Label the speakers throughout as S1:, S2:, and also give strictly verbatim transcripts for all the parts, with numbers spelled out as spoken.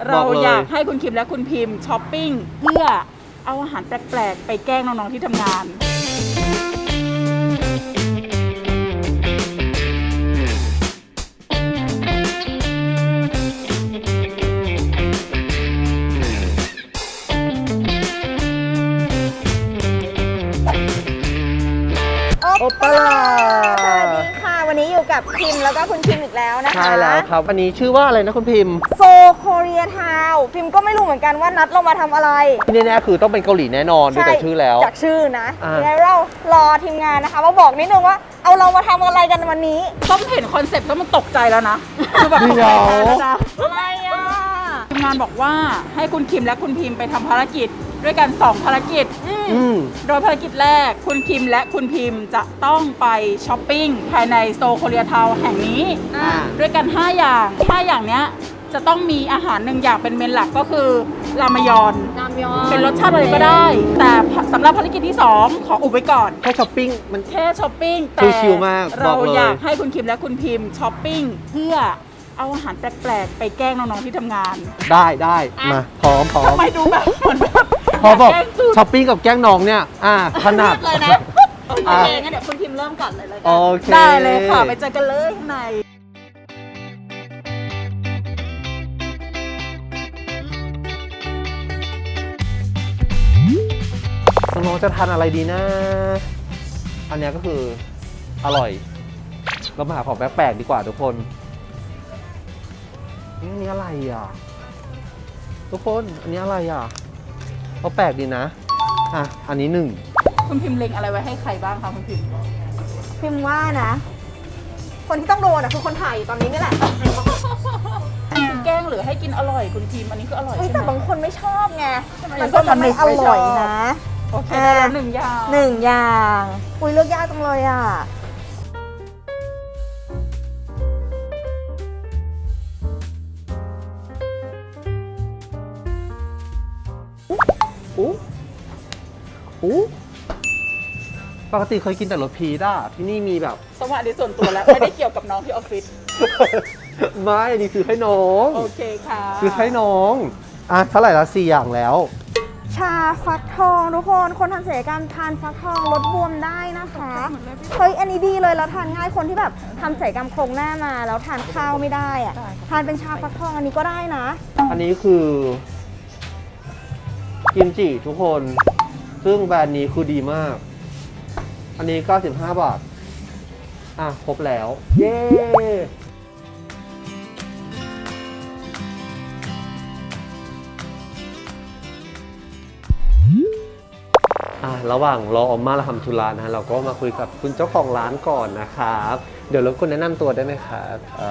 S1: เราอยากให้คุณคิมและคุณพิมพ์ช้อปปิ้งเพื่อเอาอาหารแปลกๆไปแกล้งน้องๆที่ทำงาน
S2: โอปป้าสวัสดีค่ะวันนี้อยู่กับพิมพ์แล้วก็คุณพิมพ์อีกแล้วนะคะ
S3: ใช่แล้วครับวันนี้ชื่อว่าอะไรนะคุณพิมพ์
S2: โซโคเรียทาวพิมพ์ก็ไม่รู้เหมือนกันว่านัดเรามาทำอะไร
S3: ที่แน่ๆคือต้องเป็นเกาหลีแน่นอนดูจากชื่อแล้ว
S2: จากชื่อนะยังไงเรารอทีมงานนะคะมาบอกนิดนึงว่าเอาเรามาทำอะไรกันวันนี้
S1: ต้องเห็นคอนเซ็ปต์แล้วมันตกใจแล้วนะคือแบบตกใจแล้วนะอะไรอ่ะทีมงานบอกว่าให้คุณคิมและคุณพิมพ์ไปทำภารกิจด้วยกันสองภารกิจโดยภารกิจแรกคุณคิมและคุณพิมพ์จะต้องไปช้อปปิ้งภายในโซโคเรียทาวน์แห่งนี้ด้วยกันห้าอย่างห้าอย่างเนี้ยจะต้องมีอาหารหนึ่งอย่างเป็นเมนหลักก็คือรามยอน
S2: รามยอน
S1: เป็นรสชาติอะไรก็ได้แต่สำหรับภารกิจที่สองขออุบไว้ก่อน
S3: แค่ช้อปปิ้งมัน
S1: แค่ช้อปปิ้งแต่
S3: ชิลมาก
S1: เราอยากให้คุณคิมและคุณพิมพ์ช้อปปิ้งเพื่อเอาอาหารแปลกๆไปแกล้งน้องๆที่ทำงาน
S3: ได้ได้มาพร้อมพร้อม
S1: ทำไมดูแบบเหมือนแบบ
S3: พอบอกช้อปปิ้งกับแกล้งน้องเนี่ยอ่าถนัด
S1: เลยนะโอเคงั้นเดี๋ยวคุณพิมพ์เริ่มก่อนเลยเลยกัน
S3: โอเค
S1: ได้เลยค่ะไปเจอกันเลยข้างใน
S3: น้องๆจะทานอะไรดีนะอันนี้ก็คืออร่อยเรามาหาของแปลกๆดีกว่าทุกคนนี่อันนี้อะไรอ่ะทุกคนอันนี้อะไรอ่ะเขาแปลกดีนะอ่ะอันนี้หนึ่ง
S1: คุณพิมพ์เล็งอะไรไว้ให้ใครบ้างคะคุณพิมพ์
S2: พิมพ์ว่านะคนที่ต้องโดนอ่ะคือคนถ่ายตอนนี้นี่แหละ
S1: แกล้งหรือให้กินอร่อยคุณพิมพ์อันนี้ก็อร่อยใช่ไหม
S2: แต่บางคนไม่ชอบไงมันก็ทำให้อร่อยนะ
S1: โอเคได้แล้วหนึ่งอย่าง
S2: หนึ่งอย่างอุ้ยเลือกยากจังเลยอ่ะ
S3: อู้อู้ปกติเคยกินแต่รสพีชอ่ะที่นี่มีแบบ
S1: สวัสดีส่วนตัวแล้วไม่ได้เกี่ยวกับน้องที่ออฟฟิศ
S3: ไม่นี่คือให้น้อง
S1: โอเคค่ะ
S3: คือให้น้องอ่ะเท่าไหร่ละสี่อย่างแล้ว
S2: ชาฟักทองทุกคนคนทำศัลยกรรมทานฟักทองลดบวมได้นะคะเฮ้ยอันนี้ดีเลยแล้วทานง่ายคนที่แบบทำศัลยกรรมโครงหน้ามาแล้วทานข้าวไม่ได้อะทานเป็นชาฟักทองอันนี้ก็ได้นะ
S3: อันนี้คือกิมจิทุกคนซึ่งแบรนด์นี้คือดีมากอันนี้เก้าสิบห้าบาทอ่ะครบแล้วเย้อ่ะระหว่างรอออมมาเราทำธุระนะเราก็มาคุยกับคุณเจ้าของร้านก่อนนะครับเดี๋ยวรบกวนแนะนำตัวได้ไหมครับ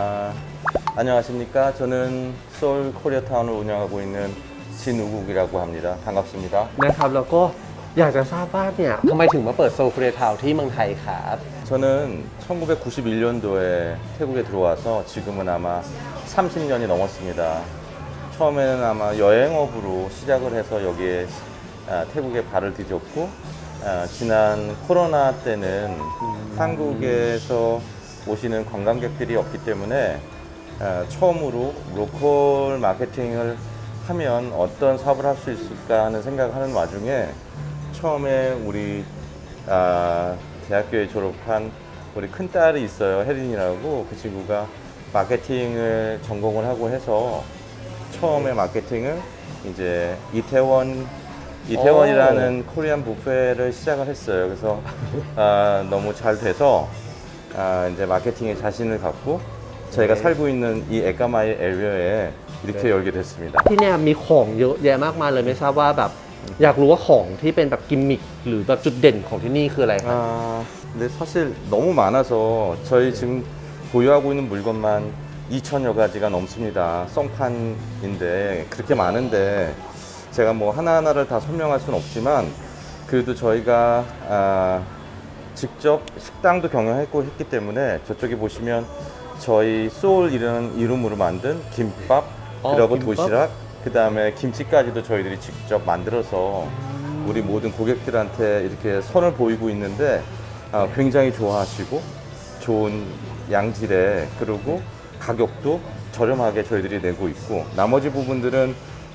S4: 안녕하십니까저는소울코리아타운을 운영하고있는진우국이라고합니다반갑습니다
S3: นะครับแล้วก็อยากจะทราบว่าเนี่ยทำไมถึงมาเปิดโซลโคเรียทาวน์ที่เมืองไทยครับ
S4: 저는 천구백구십일 년도에 태국에 들어와서 지금은 아마 삼십 년이 넘었습니다. 처음에는 아마 여행업으로 시작을 해서 여기에 태국에 발을 디뎠고 지난 코로나 때는 한국에서 오시는 관광객들이 없기 때문에 처음으로 로컬 마케팅을 하면 어떤 사업을 할 수 있을까 하는 생각을 하는 와중에 처음에 우리 아, 대학교에 졸업한 우리 큰딸이 있어요. 혜린이라고. 그 친구가 마케팅을 전공을 하고 해서 처음에 마케팅을 이제 이태원 이태원이라는 오. 코리안 뷔페를 시작을 했어요. 그래서 아, 너무 잘 돼서 아, 이제 마케팅에 자신을 갖고 저희가 네. 살고 있는 이 에까마이 에리어에 이렇게 네. 열게 됐습니다.
S3: ที่เนี่ยมีของเยอะแยะมากมายเลยไม่ทราบว่าแบบอยากรู้ว่าของที่เป็นแบบกิมมิคหรือแบบจุดเด่นของที่นี่คืออะไรครับ
S4: 아, 근데 사실 너무 많아서 저희 지금 보유하고 있는 물건만 이천여 가지가 넘습니다. 송판인데 그렇게 많은데 제가 뭐 하나하나를 다 설명할 수는 없지만 그래도 저희가 아, 직접 식당도 경영했고 했기 때문에 저쪽에 보시면 저희 소울이라는 이름으로 만든 김밥
S3: 어,
S4: 그리고
S3: 김밥?
S4: 도시락 그 다음에 김치까지도 저희들이 직접 만들어서 우리 모든 고객들한테 이렇게 선을 보이고 있는데 아, 굉장히 좋아하시고 좋은 양질의 그리고 가격도 저렴하게 저희들이 내고 있고 나머지 부분들은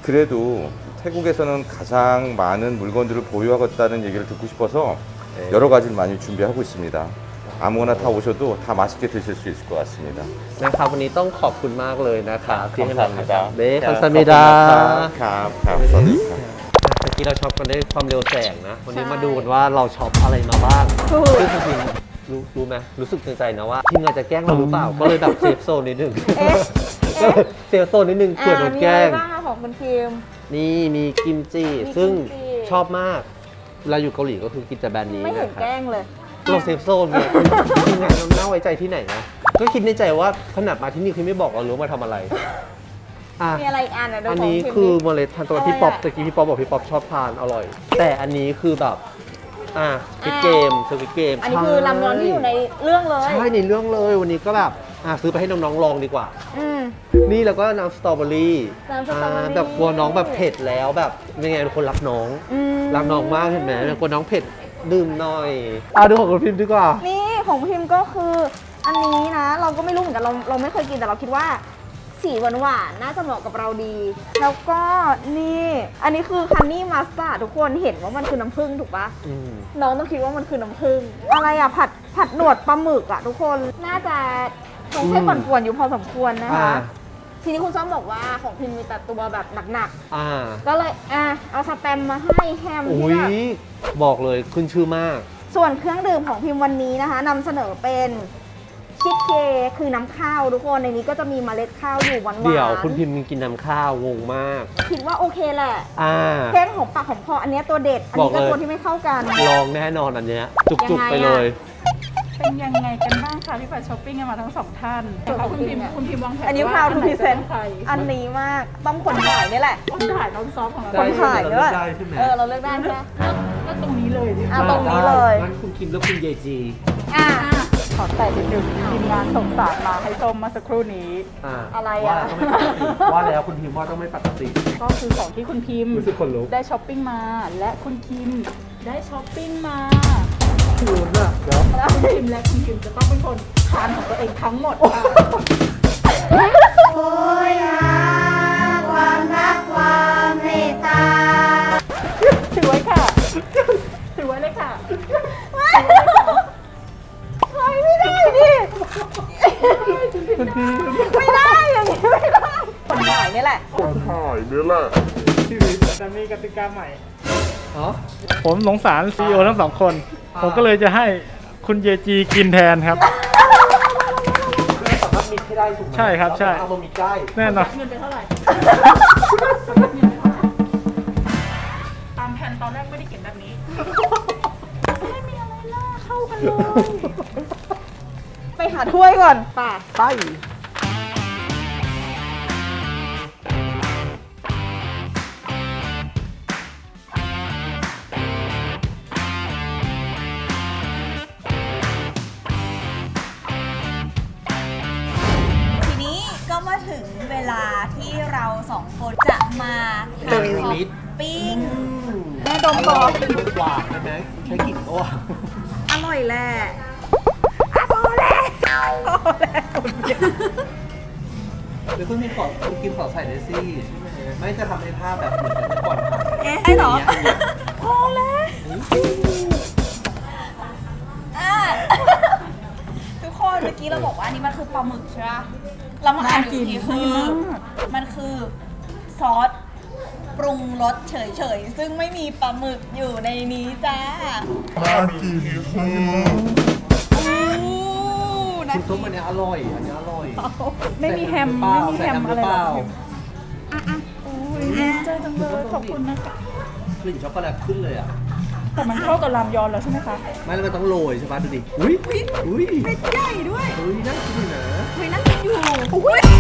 S4: 그래도 태국에서는 가장 많은 물건들을 보유하고 있다는 얘기를 듣고 싶어서 여러 가지를 많이 준비하고 있습니다. 아무거나 다 오셔도 다 맛있게 드실 수 있을 것 같습니다.
S3: นะครับวันนี้ต้องขอบคุณมากเลยนะครับที่ให้มา
S4: 감사합니다.
S3: เด้
S4: 야,
S3: คัมซามิดา
S4: ครับครับสวัสดีครับ
S3: เมื่อกี้เราช็อปกันด้วยความเร็วแสงนะ วันนี้มาดูกันว่าเราช็อปอะไรมาบ้าง
S2: ถูก
S3: ซึ่งจริงๆรู้รู้ไหมรู้สึกในใจนะว่าทีมงานจะแกล้งเราหรือเปล่า ก็เลยแบบเซฟโซนนิดนึง
S2: เอ๊ะ
S3: ก็เลยเซฟโซนนิดนึงเผื่อโดนแกล้ง
S2: มีอะไรบ้างอะของคุณพิมพ์
S3: นี่มีกิมจิ
S2: มีกิมจิ
S3: ซึ่งชอบมากเวลาอยู่เกาหลีก็คือกินแต่แบรนด์นี้
S2: ไม่เห็น
S3: นะครับ
S2: แกล้งเลย
S3: เราเซฟโซนเนี่ยทีมงานเราน่าไว้ใจที่ไหนนะ ก็คิดในใจว่าขนาดมาที่นี่คือไม่บอกเราหรือว่ามาทำอะไรอ่ะ
S2: มีอะไรอีกอันอะดู
S3: อัน
S2: ของ
S3: นี้
S2: พิมพ์
S3: คือ
S2: ดิ
S3: เมล็ดทานตะวัน
S2: อะไร
S3: พี่ป๊อป
S2: อะ
S3: ตะกี้พี่ป๊อปบอกพี่ป๊อปชอบทานอร่อย แต่อันนี้คือแบบอ่ะสวิตเกมสวิตเกม
S2: อันนี้คือลำยอนที่อยู่ในเรื่องเลย
S3: ใช่ในเรื่องเลยวันนี้ก็แบบอ่ะซื้อไปให้น้องๆลองดีกว่า
S2: อืม
S3: นี่แล้วก็น้ำสตรอเบอรี่
S2: น้ำสตรอเบอรี่
S3: าแบบกลัวน้องแบบเผ็ดแล้วแบบเป็นไงเป็นคนรักน้อง
S2: อืม
S3: รักน้องมากเห็นไหมกลัวน้องเผ็ดดื่มหน่อยอ่ะดูของคุณพิมพ์ดีกว่า
S2: นี่ของพิมพ์ก็คือ อันนี้นะ เราก็ไม่รู้เหมือนกันเราเราไม่เคยกินแต่เราคิดว่า สีหวานหวานๆน่าจะเหมาะกับเราดี แล้วก็นี่ อันนี้คือคันนี่มัสตาร์ดทุกคนเห็นว่ามันคือน้ำผึ้งถูกปะ
S3: อืม
S2: น้องต้องคิดว่ามันคือน้ำผึ้งอะไรอะผัดผัดหนวดปลาหมึกอะทุกคนน่าจะคงใช้ป่วนๆอยู่พอสมควรนะคะ
S3: อ่า
S2: ทีนี้คุณซ้อมบอกว่าของพิมพ์มีแต่ตัวแบบหนัก
S3: อ่า
S2: ๆ ก็เลยอ่ะเอาสแตมป์มาให้แฮม
S3: อุ้
S2: ที่
S3: ย
S2: แบบ
S3: บอกเลยขึ้นชื่อมาก
S2: ส่วนเครื่องดื่มของพิมพ์วันนี้นะคะนำเสนอเป็นชิคเคคือน้ำข้าวทุกคนในนี้ก็จะมีเมล็ดข้าวอยู่หวานๆ
S3: เดี๋ยวคุณพิมพ์กินน้ำข้าวงงมาก
S2: คิดว่าโอเคแหละ
S3: อ่า
S2: แค่ของปากของคออันเนี้ยตัวเด็ด อันนี้ก็
S3: บอกเลย
S2: ตัวที่ไม่เข้ากัน
S3: ลองแน่นอนอันเนี้ยจุก
S2: ยังไง
S3: ๆไป
S2: อะ
S3: เลย
S1: เป็นยังไงกันบ้างคะที่ไปช้อปปิ้งกันมาทั้งสองท่านนะคะคุณพิมพ์คุณพิมพ์วางแผน
S2: อันนี้
S1: ว่า
S2: พาวทู
S1: ไห
S2: พิเซน
S1: จะป็ใคร
S2: อันนี้มากต้องคนถ่ายนี่แหละ
S1: คนถ่ายน้องซอฟของเรา
S2: คนถ่ายด้วย
S3: ได้ใช่ไหม
S2: เออเราเลือกได้ใช่ไหม
S1: ก็ตรงนี้เลยดิ
S2: อ่ะตรงนี้เลย
S3: งั้นคุณคิมแล้วคุณเยจี
S2: อ่ะ
S1: อ่ะขอแต่นิดนึงทีมงานส่งสารมาให้ส้มมาสักครู่นี้
S3: อ่า
S2: อะไร
S3: ว่า
S2: อะ
S3: แล้วต้องไม่ปกติว่าแล้วคุณพิมพ์ว่าต้องไม่ปกติ
S1: ก็คือของที่คุณพิมพ์
S3: รู้สึกขนลุก
S1: ได้ช้อปปิ้งมา และคุณคิมได้ช้อปปิ้งมา
S3: คุณอะเดี๋ยว
S1: คุณคิมและคุณคิมจะต้องเป็นคนทานของตัวเองทั้งหมดค่ะ
S2: โอ้ยความรักความเมตตา
S1: ถือไว้ค่ะ ถือไว้เลยค่ะ
S2: เฮ้ยไม่ได้ดิไม่ได้อย่างนี้ไม่ได้คนถ่ายนี่แหละ
S5: แต่มีกติกาใหม่
S3: อ๋อ
S5: ผมสงสารซีอีโอทั้งสองคน ผมก็เลยจะให้คุณเยจีกินแทนครับ
S3: ไม่สามารถมิกให้ได้ถูกไหม
S5: ใช่ครับใช่
S3: เอามามิกได้
S5: แน่นอน
S1: เงินไปเท่าไหร่ ตามแผนตอนแรกไม่ได้เขียนแบบนี้ ไม่มีอะไรล่าเข้ากันเลย
S2: ไปหาถ้วยก่อนป่ะ
S3: ไป
S6: ทีนี้ก็มาถึงเวลาที่เราสองคนจะมาทานท็อปปิ้ง
S2: แม่ดมก่อน
S3: หวานใช่ไหมใช้กลิ่นก็หวาน
S2: อร่อยแหละ
S3: หรือคุณมีขอคุณกินขอใส่เดซี่ใช่ไหมไม่จะทำในภาพแบบเหมือนกันเมื่อก่อนค่ะ
S6: เอ๊ะไอ้เหรอ
S2: พอแล้ว
S6: อ่ะ ทุกคนเมื่อกี้เราบอกว่าอันนี้มันคือปลาหมึกใช่ปะเรามาอ่านดูทีคือ มันคือซอสปรุงรสเฉยๆ ซึ่งไม่มีปลาหมึกอยู่ในนี้จ้าอู้นะ
S3: คุณส้มอันเนี้ยอร่อย อันเนี้ยอร่อย
S1: ไม่มีแฮม
S3: ใส่
S1: ไม่มีแฮม
S3: ห
S1: อะไร
S3: เป
S1: หร
S3: ล่า
S1: อกโอ้ยดีใจจังเลยขอบคุณนะคะ
S3: กลิ่นช็อกโกแลตขึ้นเลยอ่ะ
S1: แต่มันเข้ากับรามยอนแล้วใช่ไหมคะ
S3: ไม่แล้วมันต้องโรยใช่ปะดูดิ อุ้ยอุ้ย
S6: เม็ดใหญ่ด้วย
S3: อุ้ยน่ากินอยู่นะ
S6: เฮ้ยนั่งกินอยู่อุ้ย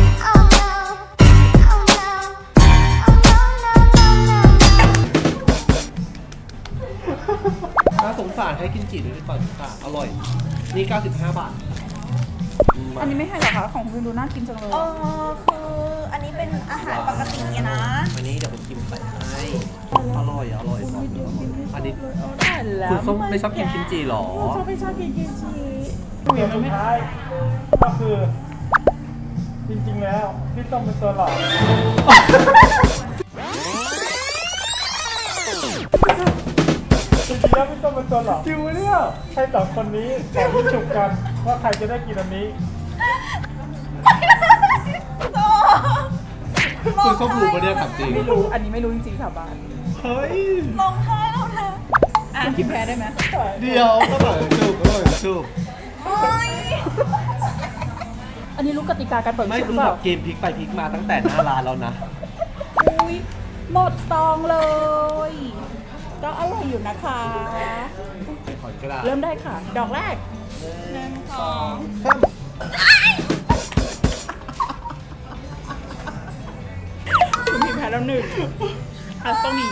S3: น่าสงสารให้กินจีด้วยดีกว่าค่ะอร่อย นี่ เก้าสิบห้า บาท
S1: อันนี้ไม่ให้หรอคะของคุณดูน่ากินจังเลย
S6: เออคืออันนี้เป็นอาหารปกติอะนะ
S3: อันนี้เดี๋ยวผมกินไปให้ อร่อย อร่อยบอกเลยอันนี้
S1: ได้แล้ว
S3: คุณส้มไม่ชอบกินกิมจิหรอ
S1: ชอบไม่ชอบกินกิมจิ
S5: สิ่งสุดท้ายก็คือจริงๆแล้วพี่ต้องเป็นตัวหลอกจริงๆแล้วพี่ต้องเป็นตัวหลอกจริงไหมเนี่ยให้สองคนนี้แข่งที่ฉุกกันว่าใครจะได้กินอันนี้
S3: คุณส้มรู้ปะเนี่ยถามจริง
S1: ไม่รู้ อันนี้ไม่รู้จริงๆสาบาน
S3: เฮ้ย
S6: ลงท้ายแล้วนะ
S1: อ่ะคิมแพ้ได้ไหม
S3: เดียวก็แบบจูบก็แบบจูบ
S6: โอ้ย
S1: อันนี้รู้กติกาการเปิด
S3: ไม่
S1: ชุดห
S3: คื
S1: รือ อเป
S3: แบ
S1: ล่า
S3: บเกมพลิกไปพลิกมาตั้งแต่หน้าร้านแล้วนะ
S1: อุ้ยหมดซองเลย ก็อร่อยอยู่นะคะ
S3: ขอนกระดาษ
S1: เริ่มได้ค่ะ ดอกแรก
S6: หนึ่งสอง
S1: คุณพิมพ์แพ้แล้วหนึ่งอ่ะต้องหนี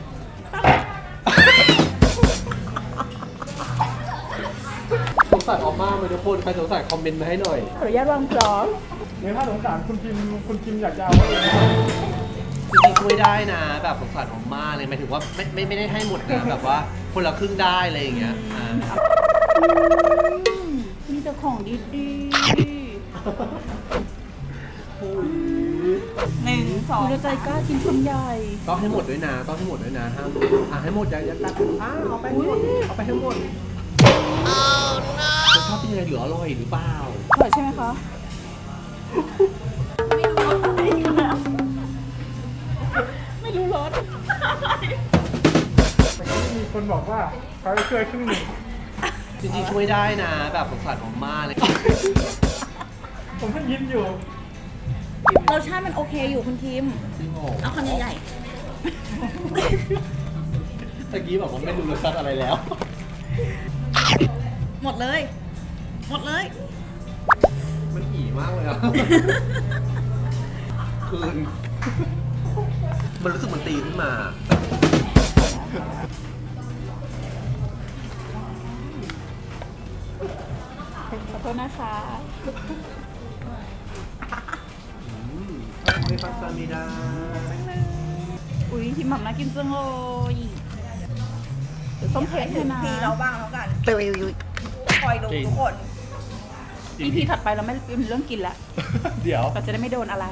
S3: สงสารออมมาไหมทุกคนใครสงสารคอมเมนต์มาให้หน่อย
S1: ขออนุญาตวางพร้อม
S5: หรือถ้าสงสารคุณพิมคุณพิมอยากจะเอาไว้เอง
S3: จริงๆช่วยได้นะ แบบสงสารออมมาเลยหมายถึงว่าไม่ไม่ไม่ได้ให้หมดนะแบบว่าคนละครึ่งได้อะไรอย่างเงี้ยอ่า
S1: มีแต่ของดี
S6: หนึ่งส
S1: ๆ
S6: อง
S1: คุณใจกล้ากินคำใหญ่
S3: ต้องให้หมดด้วยนะ ต้องให้หมดด้วยนะห้ามอ่ะให้หมดอย่าอย่าตัดอ่ะเอาไปให้หมดเอาไปให้หมดรสชาติเป็นยังไงเหลืออร่อยหรือเปล่า
S1: อร่อยใช่ไหมคะ ไม่รู้รส
S5: แต่ก็มีคนบอกว่าเขาจะช่วยครึ่งหนึ่ง
S3: จริงๆช่วยได้นะ แบบสงสารออมมาเลย
S5: ผมเพิ่งยิ้มอยู่
S6: รสชาติมันโอเคอยู่คุณทีม
S3: จริงเหรอ
S6: เอาคำใหญ่
S3: ตะกี้บอกว่าไม่รู้รสชาติอะไรแล้ว
S6: ๆ หมดเลย หมดเลย
S3: มันอีมากเลยอ่ะ คืน มันรู้สึกมันตีขึ้นมา
S1: ขอโทษนะคะ
S3: ไม่ปัสซามิดา
S1: อุ้ยหิมหม่ำน่ากินจังเลยเดี๋ยวส้มเค้กเลยนะ
S6: พีเราบ้างแล้วกันคอยดูทุกคน
S1: อีพีถัดไปเราไม่เป็นเรื่องกินแล้ว
S3: เดี๋ยว
S1: เราจะได้ไม่โดนอะไร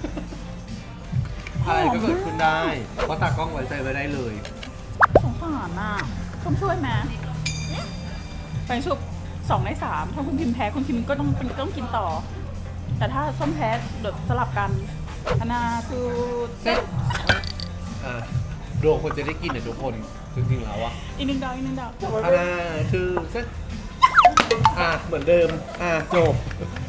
S3: อะไรก็เกิดขึ้นได้ เพราะตากล้องไว้ใจไว้ได้เลย
S1: สงสารน่ะส้มช่วยไหมไปชุบสองในสามถ้าคุณพิมพ์แพ้คุณพิมพ์ก็ต้องเป็นต้องกินต่อ แต่ถ้าส้มแพ้เดี๋ยวสลับกันอนาคือเซ็ต
S3: อ่ะดวงคนจะได้กินเนี่ยทุกคน จริงๆแล้วอะ
S1: อีกหนึ่งดาวอีกหนึ่งดาว
S3: อันน่าคือเซ็ตอ่ะ เหมือนเดิม อ่ะ จบ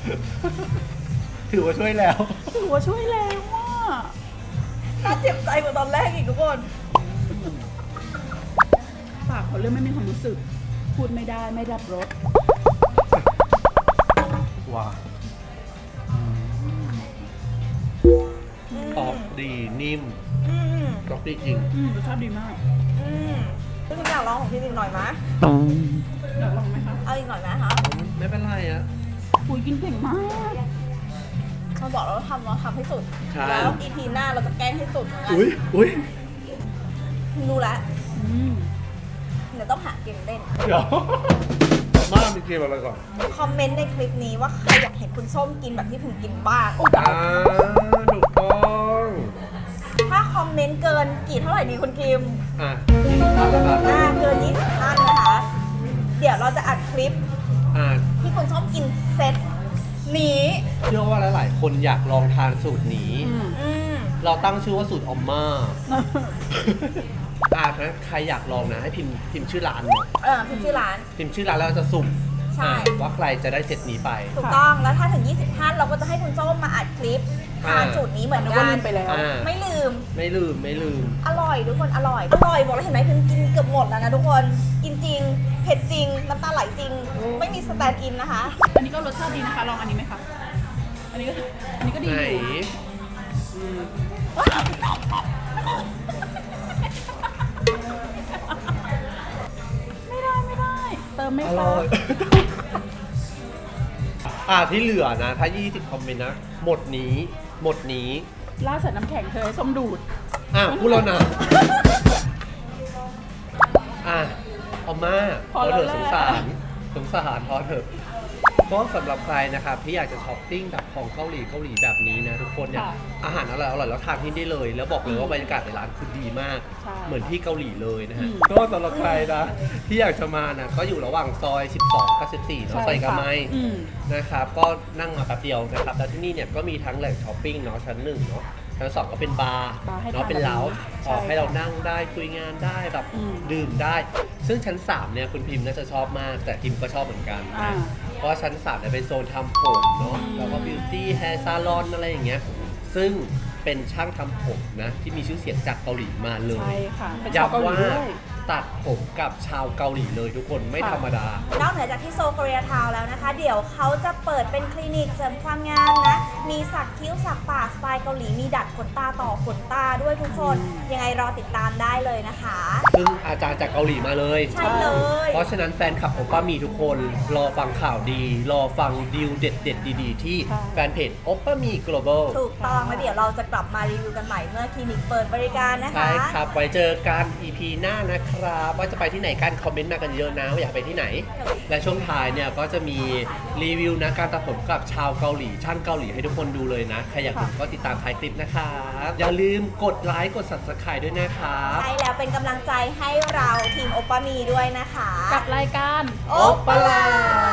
S3: ถือว่าช่วยแล้ว
S1: ถือว่าช่วยแล้วว่า
S6: น่าเจ็บใจกว่าตอนแรกอีกทุกคน
S1: ปากเขาเริ่มไม่มีความรู้สึก พูดไม่ได้ไม่รับรส
S3: ว้าตอบดีนิ่ม
S6: อืม
S3: ตอบดีจริง
S1: อืมรสชาติดีมาก
S6: อืมซึ่งอยากลองของพี่อีกหน่อยไหม
S1: อยากลองไหมคะ
S6: เอาอีกหน่อยไหมคะ
S3: ไม่เป็นไรอะ
S1: ปุยกินเก่งมาก
S6: เราบอกเราทำเราทำให้สุด
S3: ใช่
S6: แล้วอีพีหน้าเราจะแกล้งให้สุดเหมือนกัน
S3: อุ้ยอุ้ย
S6: รู้แล้ว
S1: อืม
S6: เดี๋ยวต้องหาเกมเล่น
S3: เดี๋ยว มามีเกมอะไรก่อน
S6: คอมเมนต์ในคลิปนี้ว่าใครอยากเห็นคุณส้มกินแบบที่ผมกินบ้าง
S3: อ่า ถูกต้อง
S6: ถ้าคอมเมนต์เกินกี่เท่าไหร่ดีคุณคิม
S3: อ่ะยี่สิบท่านนะครับ
S6: อ่าเกินยี่สิบท่านนะคะ เดี๋ยวเราจะอัดคลิป
S3: อ่า
S6: ที่คุณส้มกินเซตนี้
S3: เชื่อว่าหลายๆ คนอยากลองทานสูตรนี้
S1: อืม
S6: อืม
S3: เราตั้งชื่อว่าสูตรออมมาอ่าถ้าใครอยากลองนะ ให้พิมพ์พิมพ์ชื่อร้านเนาะ
S6: เออพิมพ์ชื่อร้าน
S3: พิมพ์ชื่อร้านแล้วเราจะสุ่ม
S6: ใช่
S3: อ่าว่าใครจะได้เซตนี้ไป
S6: ถูกต้อง แล้วถ้าถึงยี่สิบท่านเราก็จะให้คุณส้มมาอัดคลิปทาน
S3: อ่า
S6: สูตรนี้เหมือน
S1: นึก
S6: กั
S1: ว่าน ลืมไปแล้ว
S3: อ่า
S6: ไม่ลืม
S3: ไม่ลืมไม่ลืม
S6: อร่อยทุกคนอร่อย อร่อยบอกแล้วเห็นไหมพิมกินเกือบหมดแล้วนะทุกคน กินจริง เผ็ดจริง น้ำตาไหลจริง ไม่มีสแตนด์อินนะคะ
S1: อันนี้ก็รสชาติดีนะคะ ลองอันนี้ไหมคะ อันนี้ก็ อันนี้ก็ดี
S3: ไหน
S1: อยู่
S3: อืม
S1: ไม่ได้ไม่ได้ เติมไม่
S3: อ
S1: คร
S3: ร่อย
S1: บ
S3: อ่าที่เหลือนะ ถ้า ยี่สิบ คอมเมนต์นะ หมดนี้ หมดนี้
S1: ล่าดใส่น้ำแข็งเธอให้ส้มดูด
S3: อ่ะพูดแล้วนะ อ่ะเอามา
S1: พอแล้ว
S3: เถอะ
S1: แหละ
S3: สงสาร สงสารพอเถอะก็สำหรับใครนะครับที่อยากจะช้อปปิ้งแบบของเกาหลีเกาหลีแบบนี้นะทุกคนเนี่ย
S1: ค่ะ
S3: อาหารอร่อยอร่อยแล้วทานที่นี่ได้เลย แล้วบอกเลยว่าบรรยากาศในร้านคือดีมาก
S1: ใช่
S3: เหมือนที่เกาหลีเลยนะฮะ
S1: อืม
S3: ก็สำหรับใครนะที่อยากจะมานะก็อยู่ระหว่างซอย สิบสอง กับ สิบสี่ เนาะ
S1: ใช่
S3: ซอยกาไม
S1: ค่ะอืม
S3: นะครับก็นั่งมาแป๊บเดียวนะครับแล้วที่นี่เนี่ยก็มีทั้งแหล่งช้อปปิ้งเนาะชั้นหนึ่งเนาะชั้นสองก็เป็นบาร์
S1: บาร์ให้
S3: เนาะ
S1: ทาน
S3: เป็นเล้า
S1: ใช่
S3: ออกให้เรานั่งได้คุยงานได้แบบ
S1: อืม
S3: ดื่มได้ ซึ่งชั้นสามเนี่ยคุณพิมพ์น่าจะชอบมาก แต่พิมพ์ก็ชอบเหมือนกัน
S1: อ่า
S3: เพราะว่าชั้นสามเนี่ยเป็นโซนทำผมเนาะ
S1: อืม
S3: แล้วก็บิวตี้แฮร์ซาลอนอะไรอย่างเงี้ยซึ่งเป็นช่างทำผมนะที่มีชื่อเสียงจากเกาหลีมาเลย
S1: ใช่ค่ะเป็นชาวเกาหลี
S3: ย้ำว่า
S1: ด้วย
S3: ตัดผมกับชาวเกาหลีเลยทุกคนไม่
S1: ค่ะ
S3: ธรรมดา
S6: นอกเหนือจากที่โซโคเรียทาวน์แล้วนะคะ เดี๋ยวเขาจะเปิดเป็นคลินิกเสริมความงามนะ มีสักคิ้วสักปากสไตล์เกาหลี มีดัดขนตาต่อขนตาด้วยทุกคน ยังไงรอติดตามได้เลยนะคะ
S3: ซึ่งอาจารย์จากเกาหลีมาเลย
S6: ใช่เลย
S3: เพราะฉะนั้นแฟนคลับโอป้ามีทุกคน รอฟังข่าวดี รอฟังดีลเด็ดๆ ดีๆ ที่
S1: ใช่
S3: แฟนเพจโอป้ามี global
S6: ถูกต้องแล้วเดี๋ยวเราจะกลับมารีวิวกันใหม่เมื่อคลินิกเปิดบริการนะคะ
S3: ใช่ครับ ไว้เจอกัน อี พี หน้านะครับ ว่าจะไปที่ไหนกัน คอมเมนต์มากันเยอะนะว่าอยากไปที่ไหน และช่วงท้ายเนี่ยก็จะมีรีวิวนะการตัดผมกับชาวเกาหลี ช่างเกาหลีให้ทุกคนดูเลยนะ ใครอยากดูก็ติดตามท้ายคลิปนะครับอย่าลืมกดไลค์กด subscribe ด้วยนะครับ
S6: ใช่แล้วเป็นกำลังใจให้เราทีมโอปามีด้วยนะคะ
S1: กับรายการ
S6: โอปลา